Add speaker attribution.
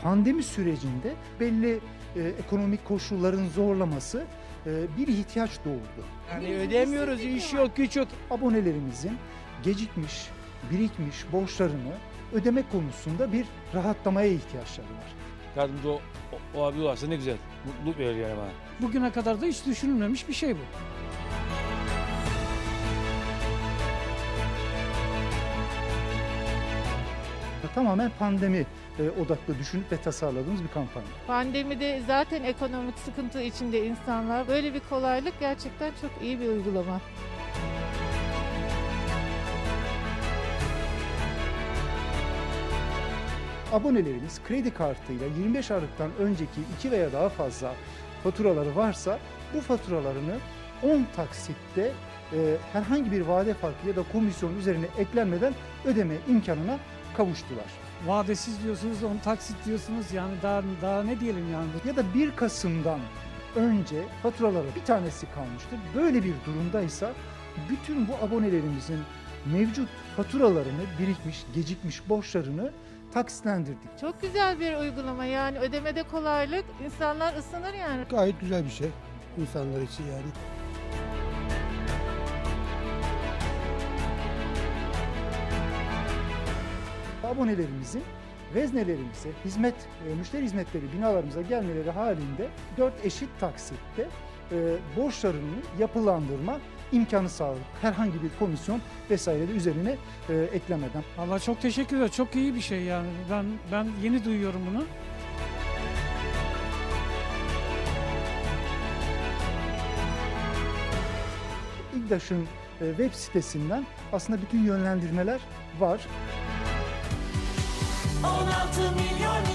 Speaker 1: Pandemi sürecinde belli ekonomik koşulların zorlaması bir ihtiyaç doğurdu.
Speaker 2: Yani ödeyemiyoruz, iş yok, güç yok.
Speaker 1: Abonelerimizin gecikmiş, birikmiş borçlarını ödeme konusunda bir rahatlamaya ihtiyaçları var.
Speaker 3: Yardımcı o abi varsa ne güzel. Mutluluk verir yani bana.
Speaker 4: Bugüne kadar da hiç düşünülmemiş bir şey bu.
Speaker 1: Tamamen pandemi odaklı düşünüp ve tasarladığımız bir kampanya.
Speaker 5: Pandemide zaten ekonomik sıkıntı içinde insanlar. Böyle bir kolaylık gerçekten çok iyi bir uygulama.
Speaker 1: Abonelerimiz kredi kartıyla 25 Aralık'tan önceki 2 veya daha fazla faturaları varsa bu faturalarını 10 taksitte herhangi bir vade farkı ya da komisyon üzerine eklenmeden ödeme imkanına kavuştular.
Speaker 4: Vadesiz diyorsunuz, 10 taksit diyorsunuz, yani daha ne diyelim yani.
Speaker 1: Ya da 1 Kasım'dan önce faturaları bir tanesi kalmıştır. Böyle bir durumdaysa bütün bu abonelerimizin mevcut faturalarını, birikmiş, gecikmiş borçlarını taksitlendirdik.
Speaker 5: Çok güzel bir uygulama, yani ödemede kolaylık, insanlar ısınır yani.
Speaker 6: Gayet güzel bir şey insanlar için yani.
Speaker 1: Abonelerimizin veznelerimize, müşteri hizmetleri binalarımıza gelmeleri halinde 4 eşit taksitte borçlarını yapılandırma imkanı sağladık. Herhangi bir komisyon vesaire de üzerine eklemeden.
Speaker 4: Vallahi çok teşekkür ederim. Çok iyi bir şey yani. Ben yeni duyuyorum bunu.
Speaker 1: İGDAŞ'ın web sitesinden aslında bütün yönlendirmeler var.
Speaker 7: 16 milyon